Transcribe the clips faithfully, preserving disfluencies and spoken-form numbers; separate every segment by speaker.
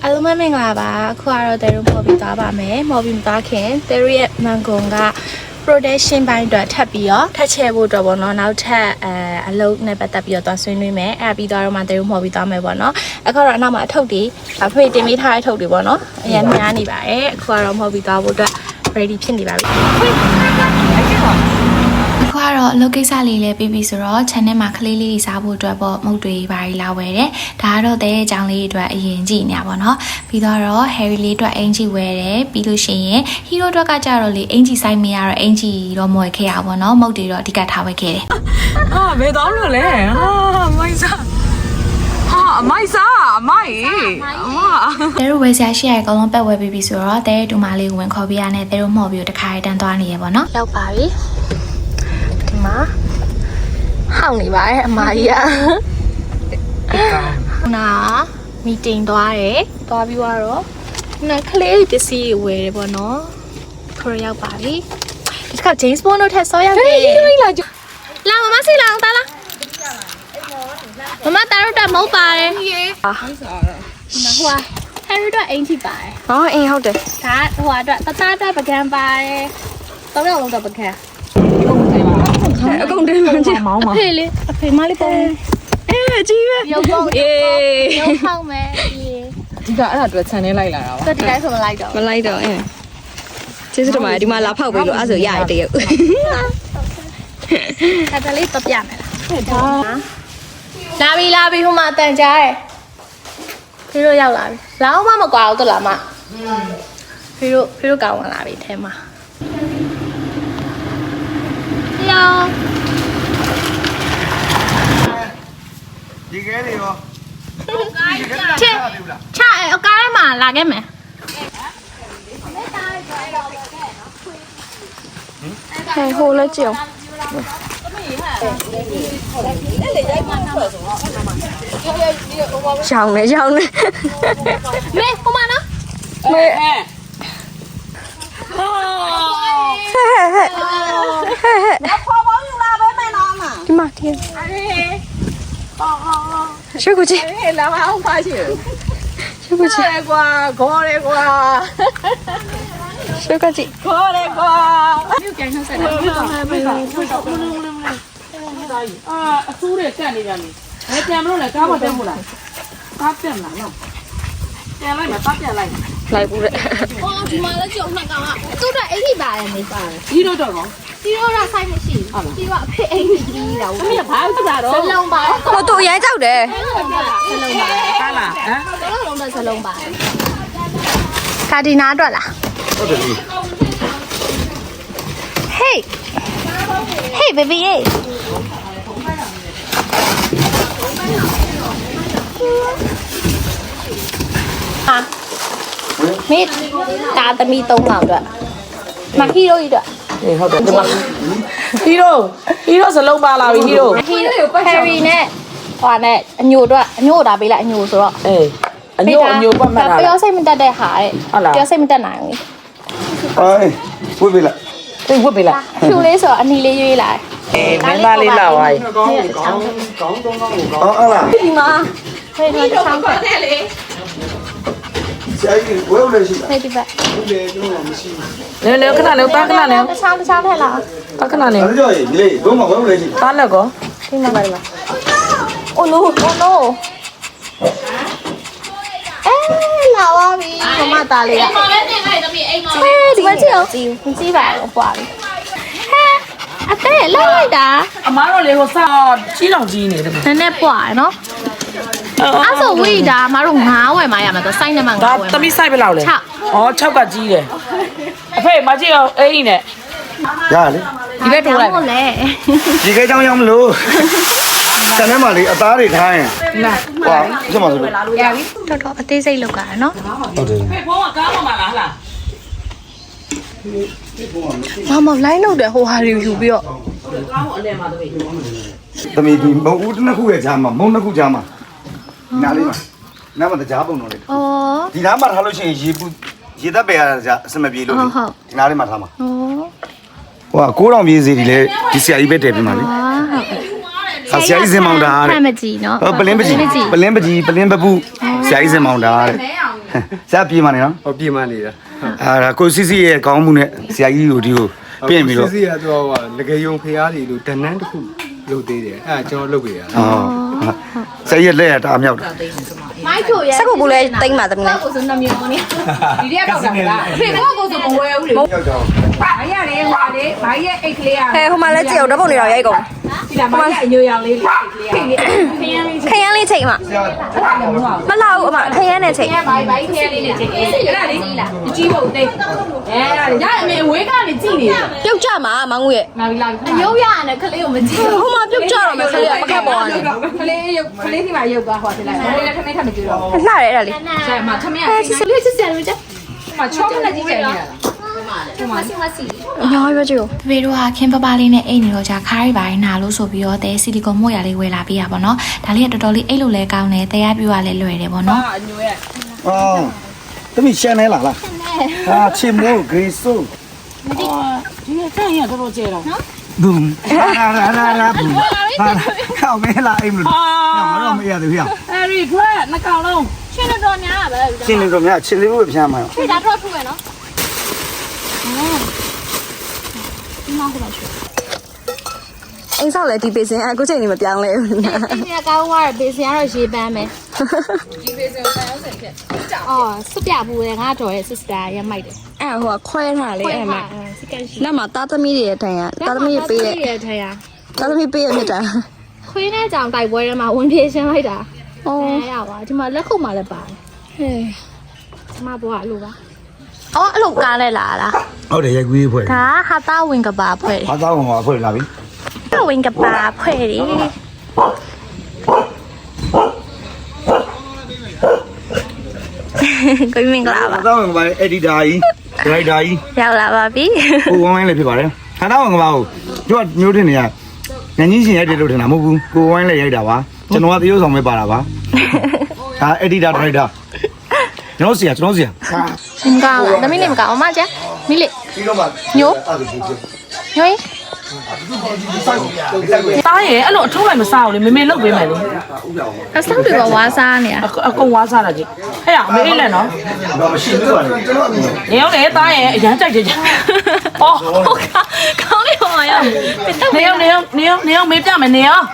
Speaker 1: အားလုံးပဲမင်္ဂလာပါအခုကတော့တဲရုံပေါ်ပြီးသွားပါမယ်မော်ပြီးမသွားခင်တဲရုံရဲ့မန်ဂွန်က production ဘိုင်းအတွက်ထပ်ပြီးတော့ထပ်ချဲဖို့အတွက်ပေါ့နော်နောက်ထပ်အဲအလုပ်နဲ့ပတ်သက်ပြီးတော့သွားဆွေးနွေးမယ်အဲ့ပြီးတော့မှတဲရုံပေါ်ပြီးသွားမယ်ပေါ့နော်အခုတော့အနောက်မှာအထုပ်တွေအဖေတင်ပေးထားတဲ့အထုပ်တွေပေါ့နော်အရင်များနေပါတယ်အခုကတော့မော်ပြီးသွားဖို့အတွက် ready ဖြစ်နေပါပြီအခုကတော့အလုပ်ကိစ္စလေးလည်းပြီးပြီဆိုတော့ channel မှာကလေးလေးစားဖို့အတွက်ပေါ့မုတ်တွေဘာတွေလာဝယ်တယ်ဒါကတော့တဲ့ကြောင်လေးအတွက်အရင်ကြည့်နေရပါတော့ပြီးတော့ Harry လေးအတွက်အင်ဂျီဝယ်တယ်ပြီးလို့ရှိရင် Hero အတွက်ကကြတော့လေအင်ဂျီဆိုင်မရတော့အင်ဂျီတော့မဝယ်ခဲ့ရပါတော့မုတ်တွေတော့အဓိကထားဝယ်ခဲ့တယ်
Speaker 2: အာဘယ်တော့လို့လဲဟာမိုက်စားဟာအမိုက်စားအမိုက်အမ
Speaker 1: တဲတို့ဝယ်ဆရာရှိရအကောင်လုံးပတ်ဝယ်ပြီးပြီဆိုတော့တဲတူမလေးကိုဝင်ခေါ်ပြရနဲ့တဲတို့မှော်ပြီးတခါတန်းသွားနေရပါတော့ရောက်ပါပြီဒီမှာဟောင်းနေပါတယ်အမကြီးอ่ะနာမီတင်သွားတယ်သွားပြီးတော့နာကလေးပစ္စည်းဝယ်တယ်ပေါ့နော်ခေါ်ရောက်ပါပြီဒီက James Bond တို့ထက်ဆောရောက်တယ်လာမမစီလာအောင်တာလားမမတားတော့မဟုတ်ပါတယ်ဟာဟိုဟာ Harry တို့အိမ်ထိပါတယ်ဟောအိမ်ဟုတ်တယ်ဒါဟိုဟာတော့တသားတက်ပကံပါတယ်သုံးယောက်လုံးတော့ပကံအကုန်တင်းမှချင်မောင်းပါအဖေလေးအဖေမလေးပုံအေးကြီးပဲရုပ်ပုံအေးရုပ်ဆောင်မယ်အေး
Speaker 2: ဒီကအဲ့ဒါအတွက် channel လိုက်လာတာပါ
Speaker 1: ဒီတိုင်းဆိုမလိုက်တော့
Speaker 3: မလိုက်တော့အင်းကျေးဇူးတင်ပါတယ်ဒီမှာလာဖောက်ပေးလို့အဲ့ဆိုရရတရုပ်
Speaker 1: ဒါကလေးပပြမယ်လားလာပြီလာပြီဟိုမှာတန်ကြားတယ်ဖေတို့ရောက်လာပြီလာအောင်မမကွာဘူးတလားမဖေတို့ဖေတို့ကောင်းလာပြီအဲမှာ
Speaker 4: ဒီကဲတွေရော
Speaker 1: ချစ်ချအကားထဲမှာလာခဲ့မယ်ဟဲ့ဟိုလည်းကြည့်အောင်
Speaker 3: ရှောင်းနေရှောင်းနေ
Speaker 1: မေဟိုမှာနော်
Speaker 3: မေဟဲ့ဟဲ့ဟဲ့
Speaker 2: ခေါ်ပေါင်းယူလာပဲမယ်နော်အမ
Speaker 3: ဒီမှာဒီ
Speaker 2: အော်အော်
Speaker 3: ရှုပ်ကိုကြည့်
Speaker 2: ဟဲ့လာမအောင်ပါချင်
Speaker 3: ရှုပ်ကိုကြည့်
Speaker 2: ကွာခေါ်တယ်ကွာ
Speaker 3: ရှုပ်ကိုကြည့်
Speaker 2: ခေါ်တယ်ကွာ
Speaker 1: မြို့ကန်နှုတ်ဆက်တယ်ဟုတ်ပါမယ်အာ
Speaker 2: အဆူးတွေကတ်နေပြန်ပြီဘယ်ပြန်မလို့လဲကားမတက်ဘူးလားကားပြန်လာနော်ပြန်လိုက်မှာပတ်ပြန်လိုက်
Speaker 3: လိုက်ဘူးတဲ့
Speaker 1: အော်ဒီမှာလည်းကြုံမှတ်ကောင်ကသူ့တော့အိတ်ထိပါတယ်မေးပါတယ်
Speaker 2: ဒီတော့တော့နော်
Speaker 1: ဒီတော့တော့ဆိုင်မရှိဘူးဒီကအဖေအိတ်ကြီးတာ
Speaker 2: အမေကဘာလို့တက်တာတော့
Speaker 1: စလုံးပါ
Speaker 3: ဟိုတူရမ်းကြောက်တယ်
Speaker 1: စလုံးပါစလုံးပါ
Speaker 2: ကားလားဟမ်
Speaker 1: စလုံးတော့စလုံးပါကာဒီနာအတွက်လား
Speaker 4: ဟုတ်တယ်
Speaker 1: Hey Hey baby hey à mít ta ta mi tông nào rồi mà hero gì rồi
Speaker 2: အေးဟုတ်တယ်ဒီမှာ hero hero စလုံးပါလာပြီ hero
Speaker 1: Harry နဲ့ဟိုနဲ့အညိုတော့အညိုတာပေးလိုက်အညိုဆိုတော့
Speaker 2: အေးအညိုအညိုပတ်မှတ်တာ
Speaker 1: ပြောစိတ်မတက်တဲ့ဟာတဲ့ပြောစိတ်မတက်နိုင်
Speaker 4: အေးဝိပြီလား
Speaker 2: အေးဝတ်ပြီလား
Speaker 1: ဖြူလေးဆိုအနီလေးရွေးလာ
Speaker 2: အေးမင်းသားလေးလာပါပြီ
Speaker 4: ကောင်းကောင်းကောင်းကောင်းကောင်းကောင်းဟုတ်လား
Speaker 1: ဒီမှာဖေးတော့ဆောင်းပတ်တယ်လေ
Speaker 4: ဆရာကြီးဝဲဦးလေးရှိလား
Speaker 1: ဖေးဒီဘက်
Speaker 4: ဦးလေးတော့မရှိဘူး
Speaker 2: နည်းနည်းခဏလေးပါခဏလေး
Speaker 1: တခြားတခြားထက်လား
Speaker 2: ပါခဏလေး
Speaker 4: အဲ့ကြောကြီးဒီလေးတော့မဝဲဦးလေးရှိ
Speaker 2: ပါလက်ကော
Speaker 1: ဒီမှာပါလား Oh no oh no အဲလာပါပြီမမသားလေးအိမ်မှာလည်းတင်လိုက်တမီးအိမ်မှာဒီမှာကြည့်အောင်ကြည့်မကြည့်ပါဘူးပွားပြီဟဲအတဲ့လိုက်လိုက်တာ
Speaker 2: အမားတို့လေဟိုစာကြီးတောင်ကြီးနေတယ်
Speaker 1: နည်းနည်းပွားနော်အဲ့ဆိုဝိဒါမတို့ငါးဝယ်မှရမှာတော့စိုက်နေမှာငါးဝယ်
Speaker 2: ဒါတမီးစိုက်ပဲလောက်လေဩ၆ကကြီးတယ်အဖေမကြည့်အောင်အိမ်နဲ့
Speaker 4: ရလေ
Speaker 2: ဒီဘက်ထိုးလိုက်
Speaker 1: ဟုတ်လေ
Speaker 4: ဒီကဲကြောင်ရောက်မလို့တန်းထဲမှာလေအသားတွေထားရင်
Speaker 2: နာ
Speaker 4: ဟွာချက်မှာဆိုလို့
Speaker 1: ရပြီတော်တော်အသေးစိတ်လောက်တာနော်
Speaker 4: ဟုတ်တယ်
Speaker 2: ဖေဖုံးကကားပေါ်မှာလားဟလား
Speaker 1: မမလိုင်းလောက်တယ်ဟိုဟာတွေယူပြီးတော့
Speaker 2: ကားပေါ်အလဲမှာတမီး
Speaker 4: တမီဒီမုံဦးတစ်ခုရဲ့ကြားမှာမုံနှစ်ခုကြားမှာနားလေးမှာနားမှာကြားပုံတော့လေ
Speaker 1: ဩ
Speaker 4: ဒီနားမှာထားလို့ရှိရင်ရေပူရေသက်ပယ်ရတာအစမပြေလို့ဒီနားလေးမှာထားမှာ
Speaker 1: ဩ
Speaker 4: ဟိုကကိုးတောင်ပြေးစီဒီလေဒီဆရာကြီးပဲတည်ပြီးမှာလေ
Speaker 1: ဟုတ်
Speaker 4: ဆရာကြီးစင်မောင်တာတဲ့
Speaker 1: ဖမ်းမကြည့်နော်
Speaker 4: ပလင်းပကြီးပလင်းပကြီးပလင်းပပူဆရာကြီးစင်မောင်တာတဲ့ဆရာပြေးမှနေနော်
Speaker 5: ဟောပြေးမှနေတာ
Speaker 4: အာကိုစီစီရဲ့ခေါင်းမှုနဲ့ဆရာကြီးကိုဒီကိုပြင်ပြီးတော့
Speaker 5: စီစီကတော့ဟိုငကယုံဖျားတွေလို့တန်းတန်းတစ်ခုလုပ်သေးတယ်အဲ့ဒါကျွန်တော်လုပ်ပြရတာ
Speaker 4: ဟောဆရာကြီးလက်ရတာအမြောက်တာ
Speaker 1: မိုက်ချိုရဲ့
Speaker 3: စက်ကူဘူးလဲတိမ့်ပါသမီး
Speaker 1: ကိုဆိုနှမျိုးနေ
Speaker 2: ဒီရက်တော့တာလားဖေကောကိုဆိုမဝဲဘူးလေဘာရလဲဟွာလေဘာရဲ့အိတ်ကလေးอ่ะ
Speaker 3: ဟဲဟိုမှာလဲကြည့်အောင်ဓာတ်ပုံတွေတော့ရိုက်ကုန်
Speaker 2: ဒီလားဘာရဲ့အညိုရောင်လေးအိတ်ကလေးอ่ะခရမ်းလေး
Speaker 3: ခရမ်းလေးချိန်မှာမလာဘူးအမခရမ်းနဲ့ချိန်
Speaker 2: ဘာဘာခရမ်းလေးနဲ့ချိန်အဲ့ဒါလေမကြည့်ဖို့တိတ်အဲ့ဒါလေရအမေဝေးကနေကြည့်နေတယ်
Speaker 3: ပြုတ်ကြမှာမောင်ငူရဲ့
Speaker 2: လာပြီလာပြီ
Speaker 1: ရုပ်ရနဲ့ကလေးကိုမကြည့်
Speaker 3: ဟိုမှာပြုတ်ကြတော့မယ်ခလေးကပကတ်ပေါ်ကနေ
Speaker 2: ကလေးရုပ်ကလေးဒီမှာရုပ်သွားဟောတယ်လားကလေးလည်းခမင်းထမကြည့်တော့
Speaker 3: လှတယ်အဲ့ဒါလေး
Speaker 2: ဆရာမခမင်းက
Speaker 1: ချစ်လေးချစ်စရာလို့ကြ
Speaker 2: မချောခနဲ့ကြည့်ကြနေတာ
Speaker 1: မစီမစီ
Speaker 3: အများကြီးပဲကြည့်
Speaker 1: ဖေဖေတို့ကခင်းပပလေးနဲ့အိတ်နေတော့じゃခါးရီပိုင်းနာလို့ဆိုပြီးတော့တဲဆီလီကွန်မို့ရလေးဝယ်လာပေးရပါတော့ဒါလေးကတော်တော်လေးအိတ်လို့လဲကောင်းတယ်တရားပြူကလည်းလွယ်တယ်ပေါ့နော်
Speaker 2: အညိုရဲ့
Speaker 4: အော်တမီရှန်နေလားလားဟာချင်မို့ဂရေဆို
Speaker 2: ဒီကတန်ရတော့ကျဲတော့နော်
Speaker 4: ဘုံရာရာရာရာဘုံဟာခေါင်းမဲလာအိမ်မလို့မတော့မရသေးဘူး
Speaker 2: အဲ့ဒီခွဲနှစ်ကောင်လုံး
Speaker 1: ရှင်းတော့များတာပဲ
Speaker 4: ချင်းနေတော့များချင်းလေးဖို့ပြန်မှာ
Speaker 1: ဖေဒါတော့ထုမယ်နော်
Speaker 3: အိမ်ဆောက်လဲဒီပေးစင်အခုချိန်နေမပြောင်းလဲဘူး
Speaker 1: ဒီကကောင်းသွားတယ်ဘေးစင်ကတော့ရေပန်းမယ်ဒီဘေးစင်ကိုပန်းအောင်ဆက်ဖြစ်အော်စွပြဘူးလေငါတော်ရဲ့ sister ရမိုက်တယ်
Speaker 3: အဲ့ဟိုကခွဲထားလေအဲ့မှာ
Speaker 1: စကန်ရှိ
Speaker 3: လက်မှာသားသမီးတွေရဲ့ထိုင်ရသားသမီးပေးရဲ့
Speaker 1: ရထိုင်ရ
Speaker 3: သားသမီးပေးရဲ့မြတ်တာ
Speaker 1: ခွေးနဲ့ကြောင်တိုက်ပွဲထဲမှာဝင်ပြေးရှင်းလိုက်တာ
Speaker 3: အော်
Speaker 1: အဲရပါဒီမှာလက်ခုပ်မှလည်းပါတယ်
Speaker 3: ဟဲ့
Speaker 1: ဒီမှာဘောကလို့ပါအော်အဲ့လိုကားလဲလာလား
Speaker 4: ဟုတ်တယ်ရိုက်ကွေးဖွဲ့
Speaker 1: ဒါဟာတာဝင်ကပါဖွဲ့
Speaker 4: ဘာသာဝင်မှာဖွဲ့လာပြီ
Speaker 1: တယ်ဝင်ကပါဖွဲ့တယ်ကိုမင်္ဂလာပါ
Speaker 4: ဘာသာဝင်ကပါအက်ဒီတာကြီးဒရိုက်တာကြီး
Speaker 1: ရောက်လာပါပြီ
Speaker 4: ကိုဝိုင်းဝိုင်းလည်းဖြစ်ပါတယ်ဘာသာဝင်ကပါကိုတို့ကမျိုးတင်နေရငန်းကြီးရှင်ရိုက်တယ်လို့ထင်တာမဟုတ်ဘူးကိုဝိုင်းလည်းရိုက်တာပါကျွန်တော်ကသရုပ်ဆောင်ပဲပါတာပါဒါအက်ဒီတာဒရိုက်တာကျွန်တော်ဆရာကျွန်တော်ဆရာ
Speaker 1: မင်္ဂလာပါသမီးလေးမကောင်းအမကျမိလေး
Speaker 4: ပြီးတော့မှ
Speaker 1: ညိုညို
Speaker 2: တားရဲ့အဲ့လိုအထုံးလိုက်မစားဘူးလေမေမေလုတ်ပေးမယ်လေ
Speaker 1: အဆောက်တွေကဝါစားနေတာ
Speaker 2: အကုန်ဝါစားတာကြီးဟဲ့ရအမေလေးလက်နော်
Speaker 4: တော့မရှိဘူးပါလေကျွန်တော်
Speaker 2: နေအောင်လေတားရဲ့အရန်ကြိုက်ကြကြအော်
Speaker 1: ကောင်းလေးပါရော
Speaker 2: နေအောင်နေအောင်နေအောင်နေအောင်မေးပြမယ်နေအောင်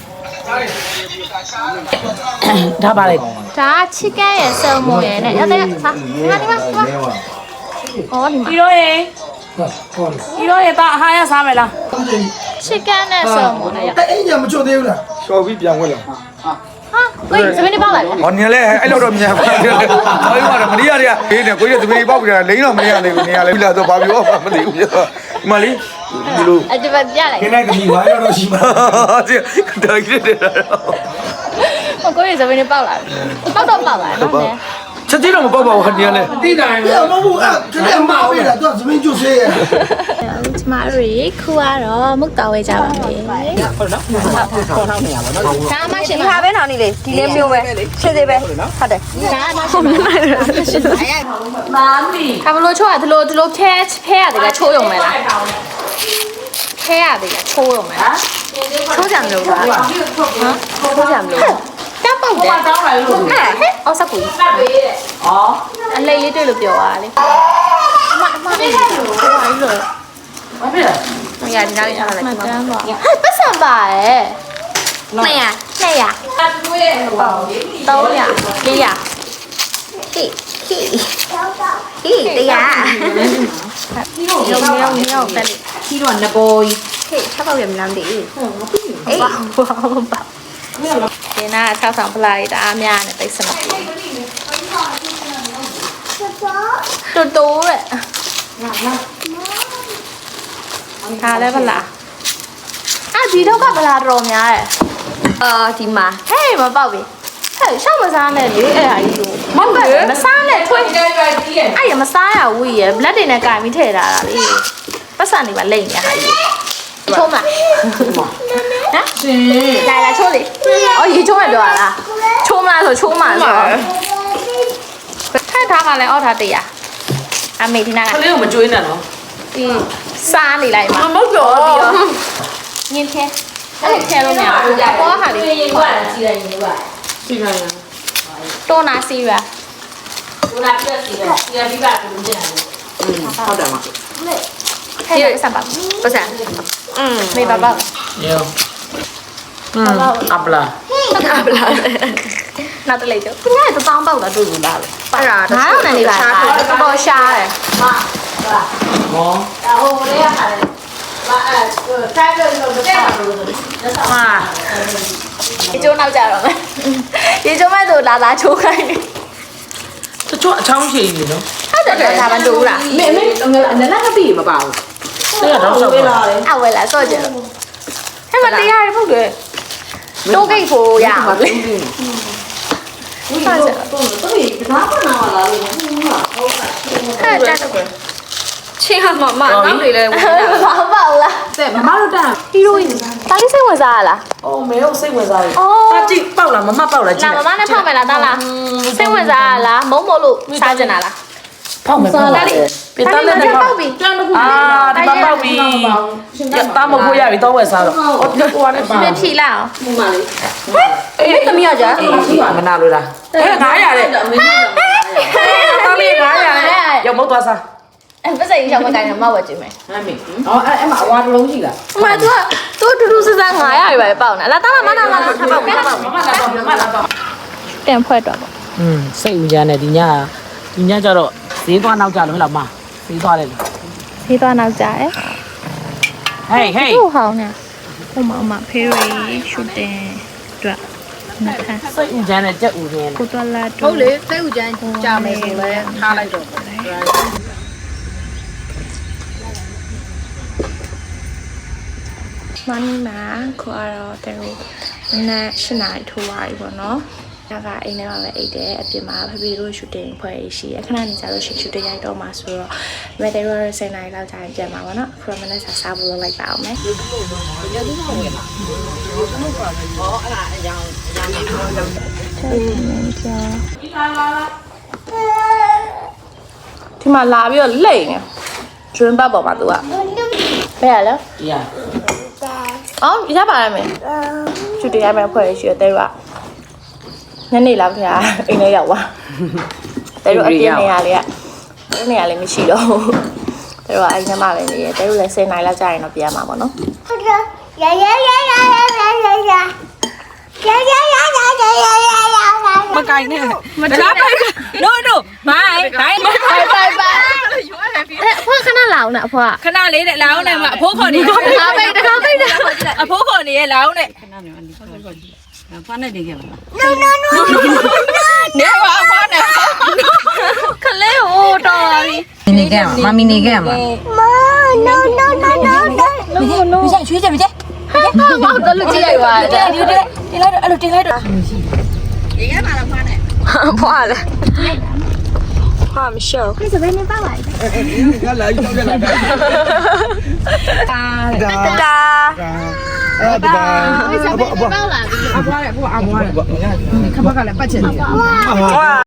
Speaker 2: ဒါပါလေ
Speaker 1: ဒါချစ်ကန်ရဲ့ဆယ်မွန်ရဲ့နဲ့ရတဲ့ဟာဒီမှာဒီမှာဒီမှာအော်ဒီမှာ
Speaker 2: ဒီတော့ရေဒီတော့ရေတာအဟားရစားမယ်လား
Speaker 1: ချစ်ကန်နဲ့ဆယ်မွန်နဲ့ရ
Speaker 5: အဲ့ညမချွတ်သေးဘူးလားရှော်ပြီးပြန်ဝင်လာ
Speaker 1: ဟာဝေးစမင်းပေါက်လာတယ်
Speaker 5: ဟောနေလဲအဲ့လောက်တော့မြန်ပါဘူးဟောဒီမှာမနီးရတဲ့ဘေးနဲ့ကိုကြီးသမီးပေါက်ကြတာလိမ့်တော့မရနိုင်ဘူးနေရလဲပြီလားဆိုဘာပြောမှမသိဘူးပြတော့ဒီမှာလေးဒီလို
Speaker 1: အကြပ်ပြလိုက်
Speaker 4: ခင်းလိုက်သမီးဘာရတော့ရှိမှာ
Speaker 5: ဒီတော့ကြည့်တယ်တော့
Speaker 1: ဟိုကိုကြီးစမင်းပေါက်လာပေါက်တော့ပေါက်လာနော်
Speaker 5: ချက်ကြီးတော့မပေါက်ပါဘူးနေရလဲ
Speaker 6: တိတိုင်းပဲမဟုတ်ဘူးအဲ့တကယ်မအောင်ရတာသူကသမင်းကျွတ်ဆေးရ
Speaker 1: ကျမတို့ခူကတော့မုတ်တော်ဝဲကြပါမယ်ဟုတ်နော်ခေါ်ထောင်းနေရပါတော့ဒါမှရှင်
Speaker 3: ဒီဟာပဲနောင်နေလေဒီလေးမျိုးပဲရှင်းသေးပဲဟုတ်တယ်
Speaker 1: ဒါမှရှင်မာမီကဘလို့ချိုးရဒီလိုဒီလိုဖဲဖဲရတယ်ကချိုးရုံပဲလားဖဲရတယ်ကချိုးရုံပဲလား
Speaker 3: ချိုးကြမလို့ပါဟမ်ချိုးကြမလို့
Speaker 1: တမ်းပေါက်တယ်
Speaker 2: တောင်းလာလို့
Speaker 1: ဟဲ့ဟဲ့အော်စကူစပ်ပေးတဲ့ဩအလေးလေးတွေ့လို့ပြောရလေအမအမလေးကိုဟိုပါလို့
Speaker 2: ဘာဖြစ်လဲ
Speaker 1: မရဒီနောက်ရထားလိုက်ဒီမှာဟဲ့ပတ်စံပါရဲ့နှစ်ရနှစ်ရ
Speaker 2: အတွေးရဲ့ပေါ့လေ
Speaker 1: သုံးရလေးရ
Speaker 3: ဟိဟိဟိတရား
Speaker 1: ရုံရုံရုံတက်လေ
Speaker 2: ကြီးတော့ငဘောကြီး
Speaker 3: ဟိချက်ပေါက်ရမလားမသိဘူး
Speaker 1: အေးဘာဘာဘာဒီနာဆောက်ဆောင်ပလာရီတအားများနေတိတ်စမတူတူတဲ့ဒါလည်းဗလားအာဒီတော့ကဗလားတော်များရဲ့
Speaker 3: အာဒီမှာ
Speaker 1: ဟဲ့မပေါက်ပြီဟဲ့ရှောက်မစားနဲ့လေအဲ့ဟာကြီးလို့မဟုတ်ဘူးမစားနဲ့ထွေး
Speaker 2: ကြိုက်ကြိုက်ကြီးရဲ့
Speaker 1: အဲ့ရမစားရဝီးရဘလက်တွေနဲ့ကင်ပြီးထည့်ထားတာလေပတ်စံနေပါလိမ့်နေဟာကြီးချုံးမဟမ်
Speaker 2: ရှင်
Speaker 1: 来来抽你，哦，一抽还多啦，抽嘛说抽嘛说，太他个来奥他的呀，啊每天那
Speaker 2: ခ
Speaker 1: 个，
Speaker 2: လေးကိုမကြွေးနဲ့နော်
Speaker 1: 嗯，杀你来嘛，
Speaker 2: မဟုတ်တော့
Speaker 1: 明天，哎，天都没有，我哈的，
Speaker 2: ကြည့်လိုက်ရင်
Speaker 1: 多拿四元，
Speaker 2: ဟုတ်တယ်မ
Speaker 1: ဟဲ့စမ်းပါ
Speaker 3: ပတ်စံ
Speaker 1: อืมမေပါပါ
Speaker 2: ရောอืมအပလာ
Speaker 1: နောက်တစ်လေးကျသူကတောင်းပေါက်တာတွေ့ဘူးလား
Speaker 3: အဲ့ဒါ
Speaker 1: ငါးအောင်နဲ့လေးပါတော့ရှားတယ်
Speaker 2: ဟော
Speaker 1: ဟာရေချိုးနောက်ကြတော့မယ်ရေချိုးမဲ့သူလာလာချိုးခိုင်းတယ်
Speaker 2: တချို့အချောင်းချေနေနော်
Speaker 1: ဟုတ်တယ်ဒါမှတူလား
Speaker 2: မေမေနလာကပြီမပါဘူးတဲ့တော့ဆောက်ပါ
Speaker 1: အဝဲလာစော့ကြတယ်ဟဲ့မတရားရဖို့လေတိုးဂိတ်ဖို့ရအောင်လေဟုတ်တယ်အဲ့ဒါတော့
Speaker 3: ချင်းဟာမမနောက်တွေလဲဝင်
Speaker 1: ဘာပေါ့လား
Speaker 2: တဲ့မမတို့တာ
Speaker 1: ဟီရိုအင်းတာလေးစိတ်ဝင်စားရလား
Speaker 2: အော်မေတို့စိတ်ဝင်စားတယ်
Speaker 1: အော်
Speaker 2: တာကြည့်ပေါက်လားမမပေါက်လားကြ
Speaker 1: လာ
Speaker 2: ည့်
Speaker 1: မမနဲ့ဖောက်မယ်လားတားလားစိတ်ဝင်စားရလားမုံမို့လို့စားကြင်တာလား
Speaker 2: ဖောက်မယ်ဖောက်တယ်ပြတာလည်းဖောက်ပြီတန်းတခုအာဒီမှာပေါက်ပြီတာမဖို့ရပြီတော့ဝယ်စားတော့အော်ဒီကွာနဲ့ပါ
Speaker 1: မဖြီလာအောင်
Speaker 2: အေးသမီးရကြမနာလို့လားအဲငါရတဲ့တာလေးငါရတဲ့ရောက်မသွားစား
Speaker 1: အဲ့ပစိတ်ရောက်မကိုင်းတော့မဝတ်ကြည့်မယ်
Speaker 2: ဟမ်းမေအော်အဲ့အဲ့မှာအဝါတစ်လုံးရှိလား
Speaker 1: ။အမသူကသူတူတူစစငါးရရပဲပေါ့နော်။လာတာမနာလာထားပါဦးထားပါဦး
Speaker 2: မမလာတော့မမလာတော့
Speaker 1: ။ပြန်ဖွဲ့တော့ပေါ့
Speaker 2: อืมစိတ်ဦးရနဲ့ဒီညဒီညကျတော့ဈေးသွားနောက်ကြလို့ဟဲ့လားမဈေးသွားတယ်လေ
Speaker 1: ။ဖေးသွားနောက်ကြရဲ
Speaker 2: ဟေးဟေး
Speaker 1: ။ဟုတ်ဟောင်းနေ။ဟိုမှာအမဖေးရီရှူတင်အတွက်နှစ်ခါ
Speaker 2: စိတ်ဦးရနဲ့ကြက်ဦးရင်း
Speaker 1: ကိုတော်လာ
Speaker 3: ဟုတ်လေစိတ်ဥကြမ်းကြာမယ်ဆိုလဲထားလိုက်တော့
Speaker 1: မနီမာခေါ်တော့တဲ့ဟိုနက်ရှနာရီထိုးပါပြီပေါ့နော်။ဒါကအိမ်ထဲမှာပဲအိတ်တယ်အပြင်မှာဖေဖေတို့ရှူတင်ဖွဲ့ရှိရခဏနေကြလို့ရှူတင်ရိုက်တော့မှာဆိုတော့မက်တယ်ရောစင်နိုင်လောက်ကြာရင်ပြန်မှာပေါ့နော်။ခရမနဲ့စားစားဖို့လုပ်လိုက်ပါအောင်မယ်ဒီမှာလာပြီးတော့လိမ့်နေကျွန်းပတ်ပေါ်မှာသူကဘယ်ရလဲ
Speaker 2: ရ
Speaker 1: အော်ရပါရမယ်ချူတင်ရမယ်ဖွဲ့ရရှိရတဲ့ကညနေလာခင်ဗျာအိမ်ထဲရောက်သွားတဲ့တို့အပြင်းနေရလေကနေရလေမရှိတော့တဲ့တို့အိမ်ထဲမှာပဲနေရတဲ့တို့လည်းစင်နိုင်လောက်ကြာရင်တော့ပြန်မှာပေါ့နော်
Speaker 7: 呀呀呀呀呀呀呀呀！呀呀呀呀呀呀呀呀！
Speaker 2: မကိုင်းနဲ့မလားပိုက် no no မိုင်းဘိုင်း
Speaker 1: ไปไปไปเอ๊ะพ่อขนาดเหลาน่ะพ่อ
Speaker 3: ခဏလေးတဲ့လောင်းနဲ့မအဖိုးခေါ်နေ
Speaker 1: ตะไปตะไปตะ
Speaker 3: အဖိုးခေါ်နေရဲ့လောင်းနဲ့ နေပါအဖွားနဲ့
Speaker 1: ခလေးဟိုတော်ပါပြီ
Speaker 3: မီနီကဲမမီနီကဲမ
Speaker 7: 妈，no no no no no！
Speaker 3: မဆိုင်ချွေးကြမကြ
Speaker 1: မောက်တော့လူကြည့်လိုက်ပါတဲ့
Speaker 3: ဒီတဲ့တင်လိုက်တော့အဲ့လိုတင်လိုက်တော့ရေခဲပါလားဖွားနဲ့
Speaker 1: ဖွာလေဖွာမရှော
Speaker 7: 你准备你爸爸？
Speaker 4: ဒါလာရောက်ကြလာတာဒါဒါအဲ့ဒါဘာဘာဘာ
Speaker 3: အဖွားနဲ့အဖွားအဖွားနဲ့ခဘကလည်းပတ်ချင်တယ်
Speaker 4: ဘာ